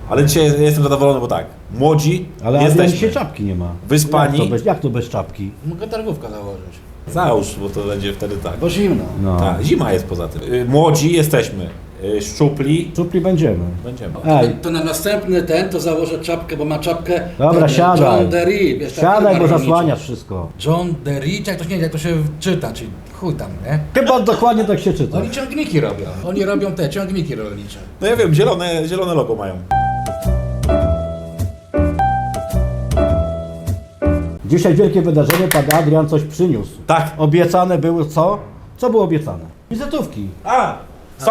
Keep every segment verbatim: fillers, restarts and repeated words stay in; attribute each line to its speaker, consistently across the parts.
Speaker 1: Ale dzisiaj jestem zadowolony, bo tak, młodzi
Speaker 2: Ale
Speaker 1: jesteśmy.
Speaker 2: dzisiaj czapki nie ma.
Speaker 1: Wyspani.
Speaker 2: Jak to bez, jak to bez czapki?
Speaker 3: Mogę targówkę założyć.
Speaker 1: Załóż, bo to będzie wtedy tak.
Speaker 3: Bo zimno.
Speaker 2: No.
Speaker 1: Tak, zima jest poza tym. Y, Młodzi jesteśmy, y, szczupli
Speaker 2: Czupli będziemy.
Speaker 1: będziemy.
Speaker 2: Ej,
Speaker 3: To na następny ten to założę czapkę, bo ma czapkę.
Speaker 2: dobra,
Speaker 3: ten,
Speaker 2: siadaj.
Speaker 3: John Deere. Wiesz, ta
Speaker 2: Siadaj,
Speaker 3: firma
Speaker 2: bo
Speaker 3: rolnicza.
Speaker 2: zasłaniasz wszystko.
Speaker 3: John Deere, jak to, nie, jak to się czyta, czyli chuj tam, nie?
Speaker 2: Chyba dokładnie tak się czyta.
Speaker 3: Oni ciągniki robią. Oni robią te ciągniki rolnicze.
Speaker 1: No ja wiem, zielone, zielone logo mają.
Speaker 2: Dzisiaj wielkie wydarzenie, pan Adrian coś przyniósł.
Speaker 1: Tak.
Speaker 2: Obiecane było co? Co było obiecane? Wizytówki.
Speaker 1: A, są?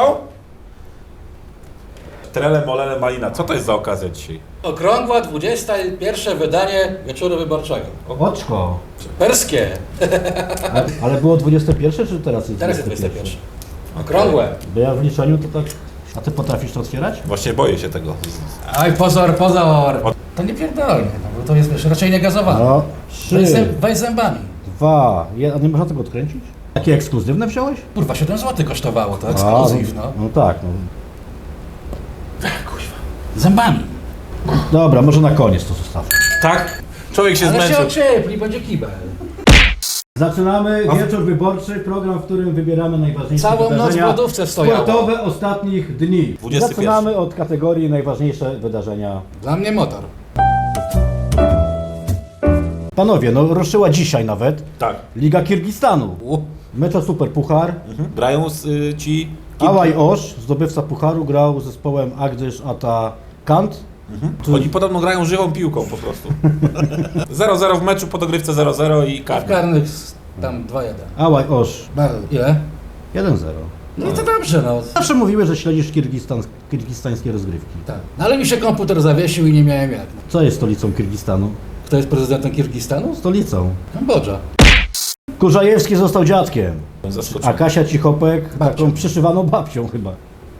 Speaker 1: Trele, molele, malina. Co to jest za okazja dzisiaj?
Speaker 3: Okrągła dwudzieste pierwsze wydanie Wieczoru Wyborczego.
Speaker 2: Oczko.
Speaker 3: Perskie.
Speaker 2: A, ale było dwudzieste pierwsze czy teraz jest
Speaker 3: Teraz jest
Speaker 2: dwudzieste
Speaker 3: dwudzieste
Speaker 2: pierwsze?
Speaker 3: pierwsze. Okrągłe.
Speaker 2: Bo ja w liczeniu to tak... A ty potrafisz to otwierać?
Speaker 1: Właśnie boję się tego.
Speaker 3: Aj, pozor, pozor. To nie pierdolnie, no, bo to jest wiesz, raczej nie gazowane.
Speaker 2: No.
Speaker 3: Weź,
Speaker 2: Trzy,
Speaker 3: zęb, weź zębami.
Speaker 2: dwa, jeden. A nie można tego odkręcić? Takie ekskluzywne wziąłeś?
Speaker 3: Kurwa, siedem złotych kosztowało to,
Speaker 2: A,
Speaker 3: ekskluzyw, no.
Speaker 2: No tak, no.
Speaker 3: Kuźwa. Zębami.
Speaker 2: Dobra, może na koniec to zostawmy.
Speaker 1: Tak? Człowiek się
Speaker 3: Ale się
Speaker 1: zmęczył.
Speaker 3: ociepli, będzie kibel.
Speaker 2: Zaczynamy wieczór wyborczy, program, w którym wybieramy najważniejsze
Speaker 3: Całą noc w
Speaker 2: wydarzenia
Speaker 3: lodówce stojało.
Speaker 2: sportowe ostatnich dni.
Speaker 1: dwudziesty pierwszy.
Speaker 2: Zaczynamy od kategorii najważniejsze wydarzenia.
Speaker 3: Dla mnie motor.
Speaker 2: Panowie, no ruszyła dzisiaj nawet
Speaker 1: Tak.
Speaker 2: Liga Kirgistanu.
Speaker 3: U.
Speaker 2: Mecz o Super Puchar.
Speaker 1: Mhm. Grają z, y, ci...
Speaker 2: Ałaj Osz, zdobywca Pucharu, grał z zespołem Agdysz Ata Kant.
Speaker 1: Mhm. Oni podobno grają żywą piłką po prostu. zero zero w meczu, po dogrywce zero zero i
Speaker 3: W
Speaker 1: karny.
Speaker 3: karnych tam dwa jeden.
Speaker 2: Ałaj Osz
Speaker 3: Bardzo. Ile?
Speaker 2: jeden zero.
Speaker 3: No i to dobrze, no.
Speaker 2: Zawsze mówiły, że śledzisz Kirgistan, kirgistańskie rozgrywki.
Speaker 3: Tak. No ale mi się komputer zawiesił i nie miałem jak.
Speaker 2: Co jest stolicą Kirgistanu?
Speaker 3: Kto jest prezydentem Kirgistanu?
Speaker 2: Stolicą.
Speaker 3: Kambodża.
Speaker 2: Kurzajewski został dziadkiem, a
Speaker 1: Zaskoczony.
Speaker 2: Kasia Cichopek
Speaker 3: Babcią.
Speaker 2: taką przyszywaną babcią chyba.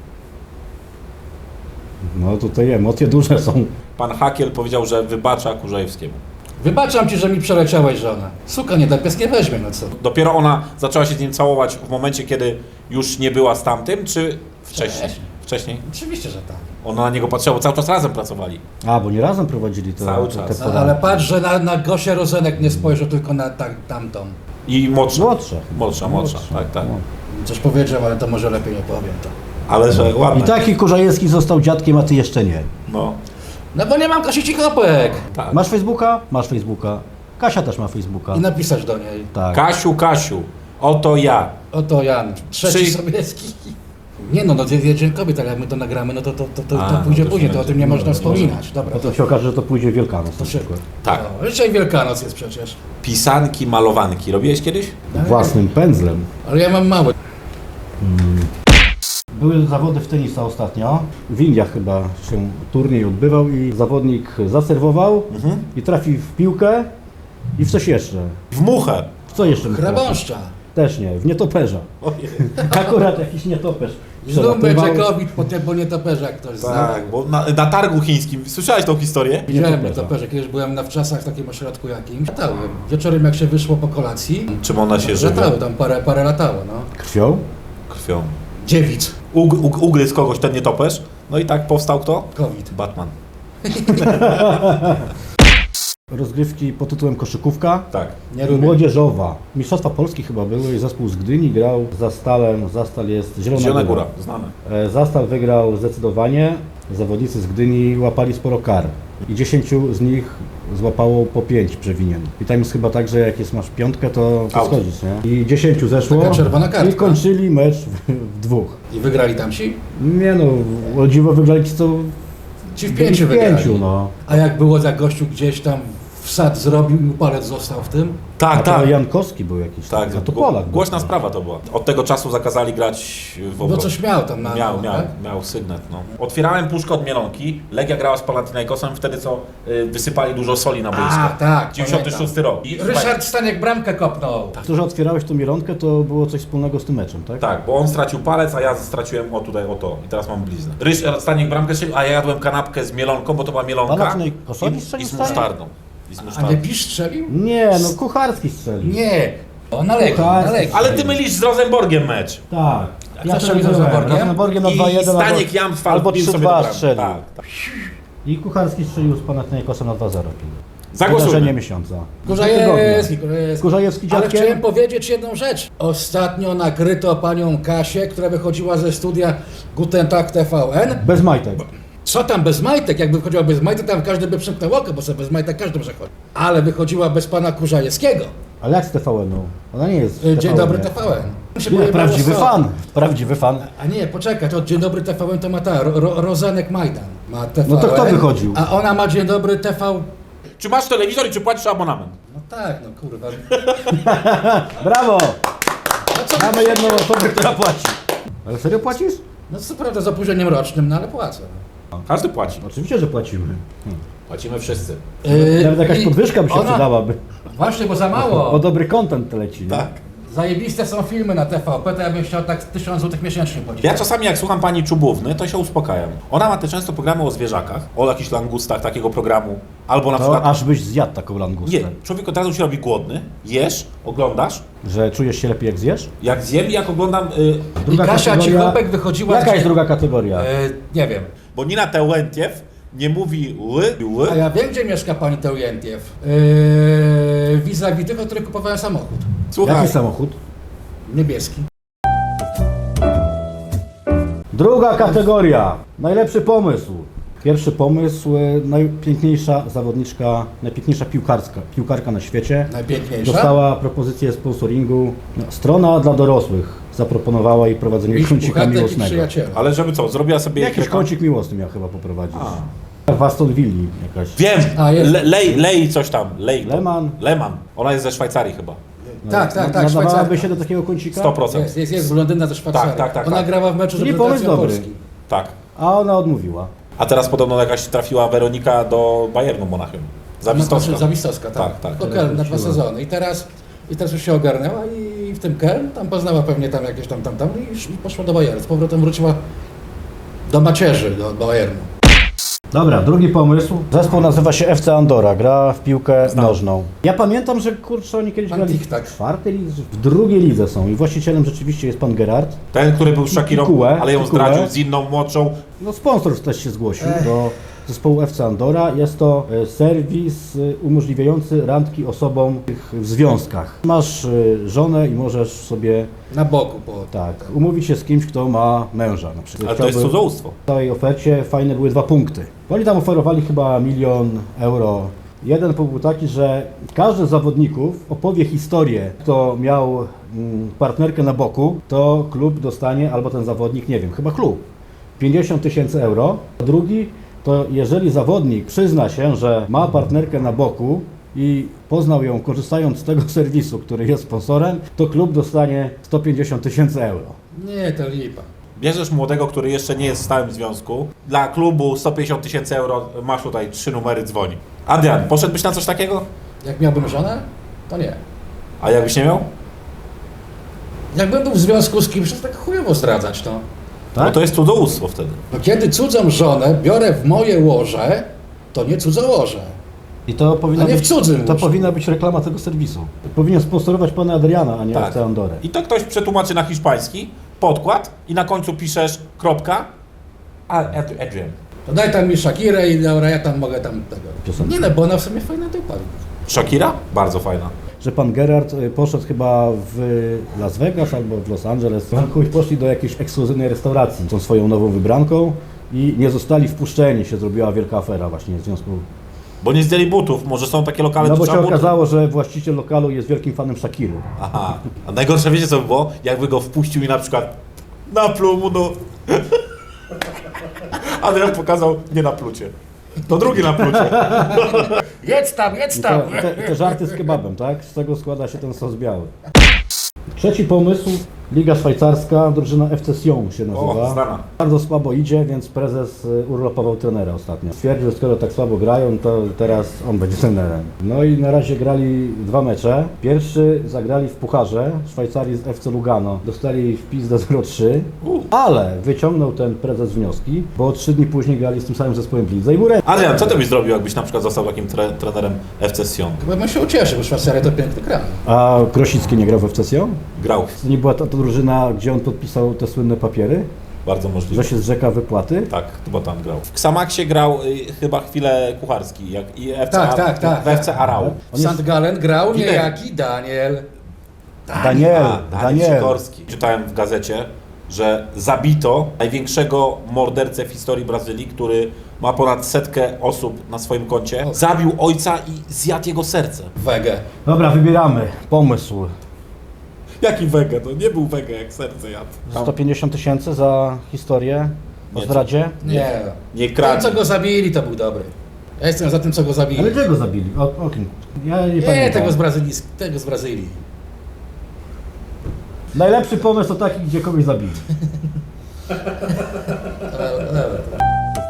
Speaker 2: No tutaj emocje duże są.
Speaker 1: Pan Hakiel powiedział, że wybacza Kurzajewskiemu.
Speaker 3: Wybaczam ci, że mi przeleciałeś żonę. Suka nie tak pies nie weźmie, no co?
Speaker 1: Dopiero ona zaczęła się z nim całować w momencie, kiedy już nie była z tamtym, czy wcześniej?
Speaker 3: Wcześniej.
Speaker 1: Wcześniej?
Speaker 3: Oczywiście, że tak.
Speaker 1: Ona na niego patrzyła, bo cały czas razem pracowali.
Speaker 2: A, bo nie razem prowadzili to,
Speaker 1: Cały
Speaker 2: te,
Speaker 1: czas.
Speaker 2: te
Speaker 3: No,
Speaker 2: poranki.
Speaker 3: ale patrz, że na, na Gosię Rozenek nie spojrzał, tylko na tak, tamtą.
Speaker 1: I młodsza.
Speaker 2: Młodsza.
Speaker 1: Młodsza, młodsza, tak, tak.
Speaker 2: No.
Speaker 3: Coś powiedział, ale to może lepiej nie powiem to.
Speaker 1: Ale że
Speaker 2: I
Speaker 1: ładne.
Speaker 2: taki Kurzajewski został dziadkiem, a ty jeszcze nie.
Speaker 1: No,
Speaker 3: No bo nie mam Kasi Cichopek.
Speaker 1: tak.
Speaker 2: Masz Facebooka? Masz Facebooka. Kasia też ma Facebooka.
Speaker 3: I napisać do niej.
Speaker 2: Tak.
Speaker 1: Kasiu, Kasiu, oto ja.
Speaker 3: Oto Jan, trzeci
Speaker 1: Trzy-
Speaker 3: Sobieski. Nie no, no jest dzień kobiet, ale jak my to nagramy, no to, to, to, to,
Speaker 1: A,
Speaker 3: to
Speaker 1: no
Speaker 3: pójdzie
Speaker 1: to
Speaker 3: później,
Speaker 1: się
Speaker 3: to o
Speaker 1: będzie.
Speaker 3: tym nie można
Speaker 1: No,
Speaker 3: wspominać. Dobra.
Speaker 2: Potem się okaże, że to pójdzie Wielkanoc na przykład.
Speaker 1: Tak.
Speaker 3: No, dzisiaj Wielkanoc jest przecież.
Speaker 1: Pisanki, malowanki. Robiłeś kiedyś?
Speaker 2: Własnym pędzlem.
Speaker 3: Ale ja mam małe.
Speaker 2: Były zawody w tenisa ostatnio. W Indiach chyba się turniej odbywał i zawodnik zaserwował
Speaker 1: Mhm.
Speaker 2: i trafił w piłkę i w coś jeszcze.
Speaker 1: W muchę.
Speaker 2: W co jeszcze? mógł trafić?
Speaker 3: Chrabąszcza.
Speaker 2: Też nie, w nietoperza.
Speaker 1: Ojej.
Speaker 2: Akurat jakiś nietoperz.
Speaker 3: Znów będzie
Speaker 2: przelatywał.
Speaker 3: COVID, po tym, bo nietoperze jak ktoś zna.
Speaker 1: Tak, bo na, na targu chińskim. Słyszałeś tą historię?
Speaker 3: Widziałem
Speaker 2: Nietoperza.
Speaker 3: nietoperze, kiedyś byłem na wczasach w takim ośrodku jakimś. Latały. Wieczorem jak się wyszło po kolacji,
Speaker 1: Czym ona się żywi?
Speaker 3: latały, tam parę, parę latało, no.
Speaker 2: Krwią?
Speaker 1: Krwią.
Speaker 3: Dziewic.
Speaker 1: Ug, ug, ugryzł kogoś ten nietoperz. No i tak powstał kto?
Speaker 3: COVID.
Speaker 1: Batman.
Speaker 2: Rozgrywki pod tytułem koszykówka.
Speaker 1: Tak.
Speaker 3: Nie lubię.
Speaker 2: Młodzieżowa. Mistrzostwa Polski chyba były i zespół z Gdyni grał z Zastalem. Zastal jest Zielona,
Speaker 1: Zielona
Speaker 2: Góra.
Speaker 1: Góra, znane.
Speaker 2: E, Zastal wygrał zdecydowanie. Zawodnicy z Gdyni łapali sporo kar. I dziesięciu z nich złapało po pięć przewinień. I tam jest chyba tak, że jak jest masz piątkę, to, to
Speaker 1: Out.
Speaker 2: schodzisz, nie? I dziesięciu zeszło
Speaker 3: Taka czerwona kartka.
Speaker 2: i kończyli mecz w, w dwóch.
Speaker 3: I wygrali tamci?
Speaker 2: Nie no, o dziwo wygrali ci co
Speaker 3: Ci w
Speaker 2: byli
Speaker 3: pięciu
Speaker 2: w
Speaker 3: wygrali.
Speaker 2: pięciu, no.
Speaker 3: A jak było, jak gościu gdzieś tam wsad zrobił i mu palec został w tym?
Speaker 2: A
Speaker 1: Tak,
Speaker 2: to
Speaker 1: tak.
Speaker 2: Jankowski był jakiś.
Speaker 1: Tak,
Speaker 2: a to
Speaker 1: gło-
Speaker 2: Polak. był.
Speaker 1: Głośna sprawa to była. Od tego czasu zakazali grać w
Speaker 3: Bo
Speaker 1: obronie.
Speaker 3: coś miał tam na...
Speaker 1: Miał,
Speaker 3: na-
Speaker 1: miał,
Speaker 3: tak?
Speaker 1: miał sygnet, no. Otwierałem puszkę od Mielonki, Legia grała z Panathinaikosem, wtedy co y, wysypali dużo soli na boisko.
Speaker 3: A, tak,
Speaker 1: dziewięćdziesiąty szósty rok. I,
Speaker 3: Ryszard Staniek bramkę kopnął.
Speaker 2: To, że otwierałeś tą mielonkę, to było coś wspólnego z tym meczem, tak?
Speaker 1: Tak, bo on stracił palec, a ja straciłem o tutaj, o to. I teraz mam bliznę. Ryszard Staniek bramkę strzelił, a ja jadłem kanapkę z mielonką, bo to była mielonka.
Speaker 2: Panathinaikosowi
Speaker 1: i,
Speaker 2: strzelił
Speaker 1: i z
Speaker 2: Staniek?
Speaker 1: musztardą. I z
Speaker 3: A nie
Speaker 1: musztardą.
Speaker 3: Pisz strzelił?
Speaker 2: Nie, no Kucharski strzelił.
Speaker 3: Nie. O, na Legii,
Speaker 2: Tak.
Speaker 3: na Legii.
Speaker 1: Ale ty mylisz z Rosenborgiem mecz.
Speaker 2: Tak.
Speaker 3: kto strzelił z Rosenborgiem?
Speaker 2: Rosenborgiem na
Speaker 1: I
Speaker 2: dwa jeden
Speaker 1: Staniek
Speaker 2: albo,
Speaker 1: Jamstwal
Speaker 2: albo
Speaker 1: wbił
Speaker 2: trzy
Speaker 1: sobie
Speaker 2: dwa
Speaker 1: do bramki.
Speaker 2: strzelił.
Speaker 1: Tak, tak.
Speaker 2: I Kucharski strzelił z Panathinaikosem na dwa zero.
Speaker 1: Zagłosujmy.
Speaker 2: Wydarzenie miesiąca.
Speaker 3: Kurzajewski, Kurzajewski.
Speaker 2: Kurzajewski
Speaker 3: Ale
Speaker 2: dziadkiem.
Speaker 3: chciałem powiedzieć jedną rzecz. Ostatnio nakryto panią Kasię, która wychodziła ze studia Guten Tag T V N.
Speaker 2: Bez majtek.
Speaker 3: Co tam bez majtek? Jakby wychodziła bez majtek, tam każdy by przymknął oko, bo sobie bez majtek każdy może chodzić. Ale wychodziła bez pana Kurzajewskiego.
Speaker 2: Ale jak z T V N-u? Ona nie jest
Speaker 3: Dzień
Speaker 2: T V N,
Speaker 3: dobry
Speaker 2: nie.
Speaker 3: T V N. Się
Speaker 2: Nie,
Speaker 3: pojebało
Speaker 2: prawdziwy
Speaker 3: z
Speaker 2: fan. Prawdziwy fan.
Speaker 3: A nie, poczekaj, to Dzień Dobry T V N to ma ta, Ro, Rozenek Majdan ma T V N.
Speaker 2: No to kto wychodził?
Speaker 3: A ona ma Dzień Dobry T V...
Speaker 1: Czy masz telewizor i czy płacisz abonament?
Speaker 3: No tak, no kurwa.
Speaker 2: Brawo!
Speaker 3: No co
Speaker 2: Mamy jedną osobę, która płaci. Ale serio płacisz?
Speaker 3: No co prawda z opóźnieniem rocznym, no ale płacę.
Speaker 1: Każdy płaci.
Speaker 2: Oczywiście, że płacimy.
Speaker 1: Płacimy wszyscy.
Speaker 3: Yy,
Speaker 2: Nawet jakaś
Speaker 3: i
Speaker 2: podwyżka by się
Speaker 3: ona-
Speaker 2: przydałaby.
Speaker 3: Właśnie, bo za
Speaker 2: Bo
Speaker 3: mało.
Speaker 2: dobry content leci. nie?
Speaker 1: Tak.
Speaker 3: Zajebiste są filmy na T V P, to ja bym chciał tak tysiąc złotych miesięcznie płacić.
Speaker 1: Ja czasami jak słucham pani Czubówny, to się uspokajam. Ona ma te często programy o zwierzakach, o jakichś langustach takiego programu, albo na
Speaker 2: To
Speaker 1: przykład...
Speaker 2: aż byś zjadł taką langustę.
Speaker 1: Nie, człowiek od razu się robi głodny, jesz, oglądasz,
Speaker 2: Że czujesz się lepiej jak zjesz?
Speaker 1: jak zjem i jak oglądam... Y,
Speaker 3: I
Speaker 2: Druga
Speaker 3: Kasia
Speaker 2: kategoria-
Speaker 3: Cichopek wychodziła...
Speaker 2: Jaka
Speaker 3: z-
Speaker 2: jest druga kategoria?
Speaker 3: Yy, nie wiem.
Speaker 1: bo Nina Tełentiew nie mówi ły, ły.
Speaker 3: A ja wiem, gdzie mieszka pani Teujentiew. Yy, vis-a-vis tych, od których kupowałem samochód.
Speaker 1: Słuchaj,
Speaker 2: Jaki samochód?
Speaker 3: Niebieski.
Speaker 2: Druga kategoria. Najlepszy pomysł. Pierwszy pomysł, e, najpiękniejsza zawodniczka, najpiękniejsza piłkarska, piłkarka na świecie.
Speaker 3: Najpiękniejsza.
Speaker 2: Dostała propozycję sponsoringu. No, strona dla dorosłych zaproponowała jej prowadzenie
Speaker 3: Miś
Speaker 2: kącika
Speaker 3: Puchatek i
Speaker 2: miłosnego.
Speaker 3: przyjaciele.
Speaker 1: ale żeby co, zrobiła sobie...
Speaker 2: Jakiś
Speaker 1: reklam-
Speaker 2: kącik miłosny miał chyba poprowadzić.
Speaker 1: A.
Speaker 2: W Aston Villa jakaś.
Speaker 1: Wiem,
Speaker 3: A, jest.
Speaker 1: Le, lej, lej coś tam, lej to.
Speaker 2: Lehmann.
Speaker 1: Lehmann. Ona jest ze Szwajcarii chyba.
Speaker 3: Tak, tak, tak,
Speaker 2: Nadawałaby
Speaker 3: Szwajcaria.
Speaker 2: się do takiego kącika?
Speaker 1: sto procent.
Speaker 3: Jest, jest, jest blondyna ze Szwajcarii.
Speaker 1: Tak, tak, tak,
Speaker 3: Ona
Speaker 1: tak.
Speaker 3: grała w meczu z
Speaker 2: Nie
Speaker 3: reprezentacją
Speaker 2: pomysł dobry.
Speaker 3: Polski.
Speaker 1: Tak.
Speaker 2: A ona odmówiła.
Speaker 1: A teraz podobno jakaś trafiła Weronika do Bayernu Monachium. Zawistowska.
Speaker 3: No, Zawistowska, tak.
Speaker 1: Tak, tak.
Speaker 3: Do Keln na dwa
Speaker 2: wróciła.
Speaker 3: sezony. I teraz, I teraz już się ogarnęła i w tym Keln tam poznała pewnie tam jakieś tam, tam, tam i już poszła do Bayernu. Z powrotem wróciła do macierzy, do Bayernu.
Speaker 2: Dobra, drugi pomysł. Zespół nazywa się F C Andora, gra w piłkę
Speaker 1: Znam.
Speaker 2: nożną. Ja pamiętam, że kurczę, oni kiedyś
Speaker 3: Pan
Speaker 2: grali
Speaker 3: Tik-tak.
Speaker 2: w czwartej lidze, w drugiej lidze są i właścicielem rzeczywiście jest pan Gerard.
Speaker 1: Ten, który był z Shakirą,
Speaker 2: Pikułę,
Speaker 1: ale ją
Speaker 2: Pikułę.
Speaker 1: zdradził z inną młodszą.
Speaker 2: No sponsor też się zgłosił
Speaker 3: Ech.
Speaker 2: do zespołu F C Andora. Jest to e, serwis e, umożliwiający randki osobom w związkach. Masz e, żonę i możesz sobie
Speaker 3: Na boku po...
Speaker 2: tak umówić się z kimś, kto ma męża na przykład.
Speaker 1: Ale to jest
Speaker 2: Chciałby-
Speaker 1: cudzołóstwo.
Speaker 2: W całej ofercie fajne były dwa punkty. Oni tam oferowali chyba milion euro. Jeden punkt był taki, że każdy z zawodników opowie historię, kto miał mm, partnerkę na boku, to klub dostanie, albo ten zawodnik, nie wiem, chyba klub, pięćdziesiąt tysięcy euro. A drugi, to jeżeli zawodnik przyzna się, że ma partnerkę na boku i poznał ją korzystając z tego serwisu, który jest sponsorem, to klub dostanie sto pięćdziesiąt tysięcy euro.
Speaker 3: Nie, to lipa.
Speaker 1: Bierzesz młodego, który jeszcze nie jest w stałym związku. Dla klubu sto pięćdziesiąt tysięcy euro, masz tutaj trzy numery, dzwoni. Adrian, poszedłbyś na coś takiego?
Speaker 3: Jak miałbym żonę, to nie.
Speaker 1: A jakbyś nie miał?
Speaker 3: Jakbym był w związku z kimś, to tak chujowo zdradzać, no.
Speaker 2: Tak?
Speaker 1: No to jest cudzołóstwo wtedy.
Speaker 3: No kiedy cudzą żonę biorę w moje łoże, to nie cudzołoże.
Speaker 2: I to powinna
Speaker 3: A nie w
Speaker 2: być,
Speaker 3: cudzym
Speaker 2: to
Speaker 3: łóżku.
Speaker 2: powinna być reklama tego serwisu. Powinien sponsorować pana Adriana, a nie
Speaker 1: Tak.
Speaker 2: F C Andorę.
Speaker 1: I to ktoś przetłumaczy na hiszpański, podkład i na końcu piszesz kropka, a Ad- Adrian.
Speaker 3: To daj tam mi Shakirę i dobra, ja tam mogę tam tego.
Speaker 2: Piosenkę.
Speaker 3: Nie no, bo ona w sumie fajna dupa.
Speaker 1: Shakira? Bardzo fajna.
Speaker 2: Że pan Gerard y, poszedł chyba w Las Vegas albo w Los Angeles i poszli do jakiejś ekskluzywnej restauracji z tą swoją nową wybranką i nie zostali wpuszczeni, się zrobiła wielka afera właśnie w związku.
Speaker 1: Bo nie zdjęli butów, może są takie lokale,
Speaker 2: No
Speaker 1: gdzie
Speaker 2: bo się
Speaker 1: trzeba buty.
Speaker 2: okazało, że właściciel lokalu jest wielkim fanem Shakiry.
Speaker 1: Aha. A najgorsze wiecie co by było? Jakby go wpuścił i na przykład napluł mu do... Adrian pokazał nie na plucie. To drugi na plucie.
Speaker 3: Jedz tam, jedz
Speaker 2: I
Speaker 3: tam!
Speaker 2: te, te, te żarty z kebabem, tak? Z tego składa się ten sos biały. Trzeci pomysł, Liga Szwajcarska, drużyna F C Sion się nazywa.
Speaker 1: O, znana.
Speaker 2: Bardzo słabo idzie, więc prezes y, urlopował trenera ostatnio. Stwierdził, że skoro tak słabo grają, to teraz on będzie trenerem. No i na razie grali dwa mecze. Pierwszy zagrali w Pucharze Szwajcarii z F C Lugano. Dostali wpis do zero trzy,
Speaker 1: U.
Speaker 2: ale wyciągnął ten prezes wnioski, bo trzy dni później grali z tym samym zespołem w lidze i był remis.
Speaker 1: Adrian, co ty byś zrobił, jakbyś na przykład został takim tre trenerem F C Sion?
Speaker 3: Chyba bym się ucieszył, bo Szwajcaria to piękny kraj.
Speaker 2: A Krosicki nie grał w F C Sion?
Speaker 1: Grał.
Speaker 2: To nie była ta, ta drużyna, gdzie on podpisał te słynne papiery?
Speaker 1: Bardzo możliwe.
Speaker 2: Że się zrzeka wypłaty?
Speaker 1: Tak, bo tam grał. W Xamaxie grał y, chyba chwilę Kucharski, jak i F C,
Speaker 3: Tak,
Speaker 1: A-
Speaker 3: tak, tak,
Speaker 1: w F C Arau.
Speaker 2: On
Speaker 3: W
Speaker 2: jest-
Speaker 3: Sankt Gallen grał
Speaker 1: Gilek.
Speaker 3: niejaki Daniel.
Speaker 2: Daniel,
Speaker 1: A, Daniel
Speaker 2: Daniel.
Speaker 1: Sikorski. Czytałem w gazecie, że zabito największego mordercę w historii Brazylii, który ma ponad setkę osób na swoim koncie. Zabił ojca i zjadł jego serce.
Speaker 3: Wege.
Speaker 2: Dobra, wybieramy. Pomysł.
Speaker 1: Jaki wege? To nie był wege, jak serce jadł.
Speaker 2: sto pięćdziesiąt tysięcy za historię o
Speaker 1: Nie,
Speaker 2: zdradzie.
Speaker 3: Nie.
Speaker 1: Nie
Speaker 3: Ten,
Speaker 1: kradł.
Speaker 3: co go zabili, to był dobry. Ja jestem za tym, co go zabili.
Speaker 2: Ale czego zabili? O, o kim? Ja nie,
Speaker 3: Nie,
Speaker 2: pamiętam.
Speaker 3: tego z Brazylii. Tego z Brazylii.
Speaker 2: Najlepszy pomysł to taki, gdzie kogoś zabili.
Speaker 3: Dobra, dobra.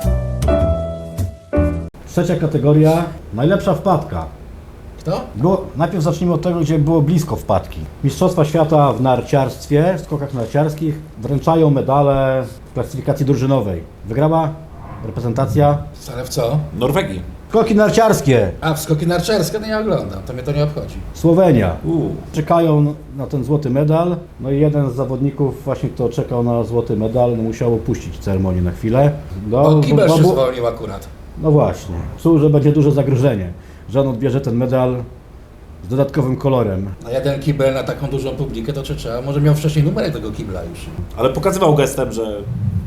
Speaker 2: Trzecia kategoria. Najlepsza wpadka.
Speaker 3: Kto?
Speaker 2: Było, najpierw zacznijmy od tego, gdzie było blisko wpadki. Mistrzostwa świata w narciarstwie, w skokach narciarskich wręczają medale w klasyfikacji drużynowej. Wygrała reprezentacja.
Speaker 3: Ale w co?
Speaker 1: Norwegii.
Speaker 2: Skoki narciarskie.
Speaker 3: A, w skoki narciarskie to nie oglądam. To mnie to nie obchodzi.
Speaker 2: Słowenia.
Speaker 1: Uuu.
Speaker 2: Czekają na ten złoty medal. No i jeden z zawodników, właśnie kto czekał na złoty medal, no musiał opuścić ceremonię na chwilę. No,
Speaker 3: Bo kibel
Speaker 2: bo-
Speaker 3: się
Speaker 2: bo-
Speaker 3: zwolnił akurat.
Speaker 2: no właśnie. Czuł, że będzie duże zagrożenie, że on odbierze ten medal z dodatkowym kolorem.
Speaker 3: Na jeden kibel na taką dużą publikę to czy trzeba. Może miał wcześniej numerek tego kibla już.
Speaker 1: Ale pokazywał gestem, że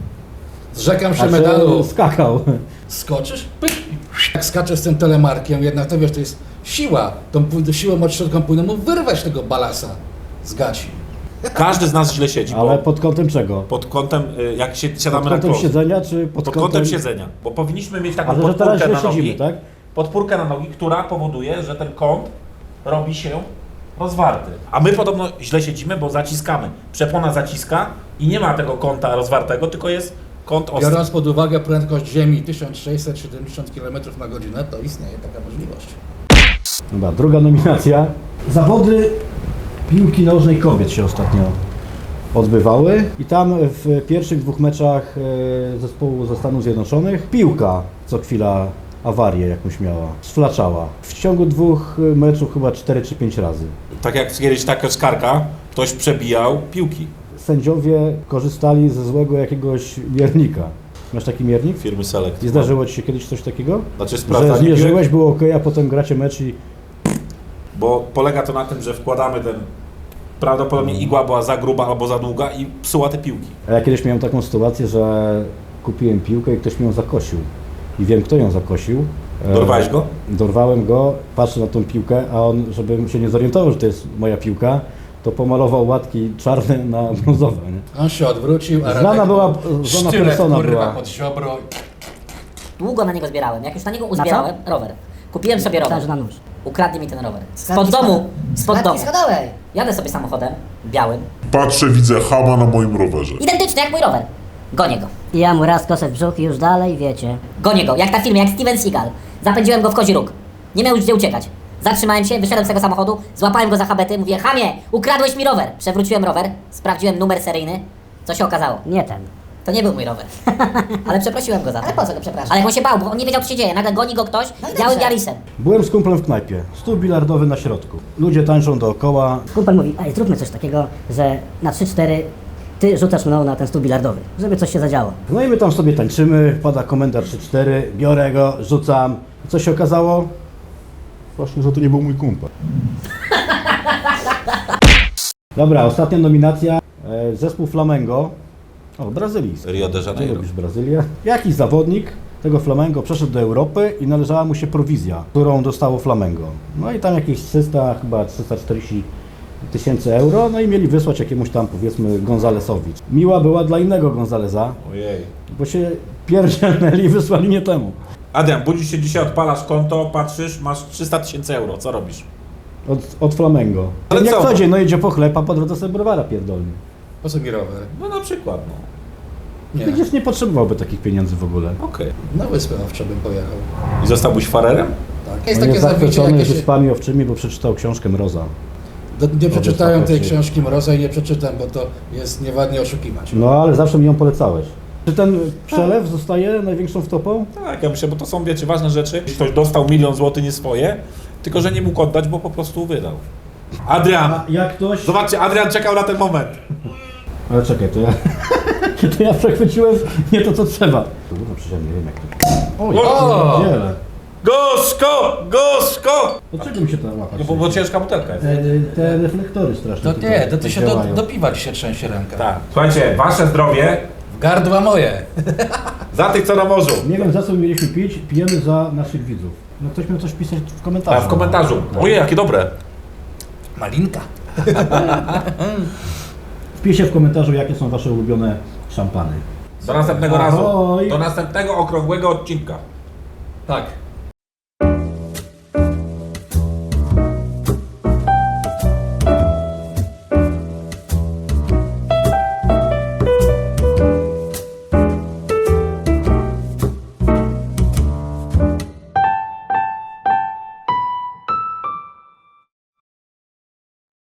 Speaker 3: Zrzekam się
Speaker 2: A
Speaker 3: medalu.
Speaker 2: skakał.
Speaker 3: Skoczysz? Pyk. Jak skaczesz z tym telemarkiem, jednak to wiesz, to jest siła. Tą pój- siłą od środka powinno mu wyrwać tego balasa z gaci.
Speaker 1: każdy z nas źle siedzi.
Speaker 2: Ale
Speaker 1: Bo
Speaker 2: pod kątem czego?
Speaker 1: pod kątem, y, jak się
Speaker 2: Pod
Speaker 1: siadamy na
Speaker 2: kątem
Speaker 1: klosz.
Speaker 2: siedzenia, czy pod,
Speaker 1: Pod kątem siedzenia. Bo powinniśmy mieć taką
Speaker 2: Ale że teraz
Speaker 1: podpórkę
Speaker 2: źle
Speaker 1: na nogi.
Speaker 2: siedzimy, tak?
Speaker 1: Podpórkę na nogi, która powoduje, że ten kąt robi się rozwarty. A my podobno źle siedzimy, bo zaciskamy. Przepona zaciska i nie ma tego kąta rozwartego, tylko jest kąt ostry.
Speaker 3: Biorąc pod uwagę prędkość Ziemi tysiąc sześćset siedemdziesiąt kilometrów na godzinę, to istnieje taka możliwość.
Speaker 2: Dobra, druga nominacja. Zawody piłki nożnej kobiet się ostatnio odbywały i tam w pierwszych dwóch meczach e, zespołu ze Stanów Zjednoczonych piłka co chwila awarię jakąś miała, sflaczała. W ciągu dwóch meczów chyba cztery czy pięć razy.
Speaker 1: Tak jak kiedyś taka skarka, ktoś przebijał piłki
Speaker 2: Sędziowie korzystali ze złego jakiegoś miernika. Masz taki miernik?
Speaker 1: firmy Select.
Speaker 2: Nie zdarzyło Ci się kiedyś coś takiego?
Speaker 1: Znaczy
Speaker 2: Że
Speaker 1: sprawdzanie
Speaker 2: zmierzyłeś,
Speaker 1: piłek,
Speaker 2: było ok, a potem gracie mecz i
Speaker 1: bo polega to na tym, że wkładamy ten, prawdopodobnie igła była za gruba albo za długa i psuła te piłki.
Speaker 2: A ja kiedyś miałem taką sytuację, że kupiłem piłkę i ktoś mi ją zakosił. I wiem, kto ją zakosił. E,
Speaker 1: Dorwałeś go?
Speaker 2: Dorwałem go, patrzę na tą piłkę, a on, żebym się nie zorientował, że to jest moja piłka, to pomalował łatki czarne na brązowe. Nie?
Speaker 3: On się odwrócił, a
Speaker 2: Znana
Speaker 3: Radek
Speaker 2: była, znana
Speaker 3: sztylet,
Speaker 2: persona
Speaker 3: kurwa,
Speaker 2: była.
Speaker 3: pod ziobro.
Speaker 4: Długo na niego zbierałem. Jak już na niego uzbierałem, rower. Kupiłem sobie rower.
Speaker 5: Myślałem, że na nóż.
Speaker 4: Ukradli mi ten rower.
Speaker 5: Klatki
Speaker 4: Spod domu,
Speaker 5: schod-
Speaker 4: spod
Speaker 5: klatki
Speaker 4: domu.
Speaker 5: schodowej.
Speaker 4: Jadę sobie samochodem, białym.
Speaker 6: Patrzę, widzę chama na moim rowerze.
Speaker 4: Identyczny jak mój rower. Gonię go.
Speaker 5: I ja mu raz kosę w brzuch i już dalej, wiecie.
Speaker 4: Gonię go, jak na filmie, jak Steven Seagal. Zapędziłem go w kozi róg. Nie miał już gdzie uciekać. Zatrzymałem się, wyszedłem z tego samochodu, złapałem go za habety, mówię: Chamie, ukradłeś mi rower. Przewróciłem rower, sprawdziłem numer seryjny. Co się okazało?
Speaker 5: Nie ten.
Speaker 4: To nie był mój rower. Ale przeprosiłem go za to.
Speaker 5: Ale po co go przepraszam?
Speaker 4: Ale on się bał, bo on nie wiedział, co się dzieje. Nagle goni go ktoś
Speaker 5: No i
Speaker 4: białym
Speaker 5: dobrze.
Speaker 4: Yarisem.
Speaker 2: Byłem z kumplem w knajpie, stół bilardowy na środku. Ludzie tańczą dookoła.
Speaker 5: Kumpel mówi, ej, zróbmy coś takiego, że na trzy cztery ty rzucasz mną na ten stół bilardowy, żeby coś się zadziało.
Speaker 2: No i my tam sobie tańczymy, pada komenda trzy cztery, biorę go, rzucam. Co się okazało? Właśnie, że to nie był mój kumpel. Dobra, ostatnia nominacja. E, Zespół Flamengo. O, brazylijski.
Speaker 1: Rio de
Speaker 2: Ty
Speaker 1: Janeiro.
Speaker 2: lubisz Brazylię? Jakiś zawodnik tego Flamengo przeszedł do Europy i należała mu się prowizja, którą dostało Flamengo. No i tam jakieś trzysta, chyba trzysta czterdzieści tysięcy euro, no i mieli wysłać jakiemuś tam, powiedzmy, Gonzalesowi. Miła była dla innego Gonzaleza,
Speaker 1: Ojej.
Speaker 2: bo się pierdzielnęli i wysłali nie temu.
Speaker 1: Adrian, budzisz się dzisiaj, odpalasz konto, patrzysz, masz trzysta tysięcy euro, co robisz?
Speaker 2: Od, od Flamengo.
Speaker 1: Ale
Speaker 2: Jak
Speaker 1: co?
Speaker 2: co dzień, no idzie po chleb, a po drodze sobie browara pierdolny.
Speaker 3: Po co mi rower?
Speaker 1: No na przykład, no.
Speaker 3: Nie.
Speaker 2: Przecież nie potrzebowałby takich pieniędzy w ogóle.
Speaker 1: Okej.
Speaker 3: Na wyspę owczą bym pojechał.
Speaker 1: I zostałbyś farerem?
Speaker 3: Tak. Jest
Speaker 2: On
Speaker 3: takie
Speaker 2: jest
Speaker 3: zabicie,
Speaker 2: zachwycony
Speaker 3: jakie się...
Speaker 2: wyspami owczymi, bo przeczytał książkę Mroza.
Speaker 3: Do, nie przeczytałem tej
Speaker 2: Odesłał
Speaker 3: książki Mroza i nie przeczytam, bo to jest nieładnie oszukiwać.
Speaker 2: No ale zawsze mi ją polecałeś. Czy ten przelew zostaje największą wtopą?
Speaker 1: Tak, ja myślę, bo to są, wiecie, ważne rzeczy. Ktoś dostał milion złotych nie swoje, tylko że nie mógł oddać, bo po prostu wydał. Adrian!
Speaker 2: jak ktoś...
Speaker 1: Zobaczcie, Adrian czekał na ten moment.
Speaker 2: Ale czekaj, to ja... to ja przechwyciłem nie to, co trzeba. Kurwa, przecież ja nie wiem, jak to... Oj,
Speaker 3: O!
Speaker 2: wiele.
Speaker 1: Gorzko! Gorzko!
Speaker 2: Dlaczego mi się to łapać?
Speaker 1: No bo, bo ciężka butelka jest.
Speaker 2: Te, te reflektory strasznie
Speaker 3: To
Speaker 2: tutaj
Speaker 3: nie, to ty się do,
Speaker 2: działają.
Speaker 3: do piwa ci się trzęsie ręka.
Speaker 1: Tak. Słuchajcie, wasze zdrowie
Speaker 3: W gardła moje.
Speaker 1: za tych, co na morzu.
Speaker 2: Nie wiem, za co mieliśmy pić, pijemy za naszych widzów. No ktoś miał coś pisać w komentarzu.
Speaker 1: A w komentarzu. Ojej, jakie dobre.
Speaker 3: Malinka.
Speaker 2: Wpiszcie w komentarzu, jakie są wasze ulubione szampany.
Speaker 1: Do następnego razu.
Speaker 2: Ahoj.
Speaker 1: Do następnego okrągłego odcinka.
Speaker 3: Tak.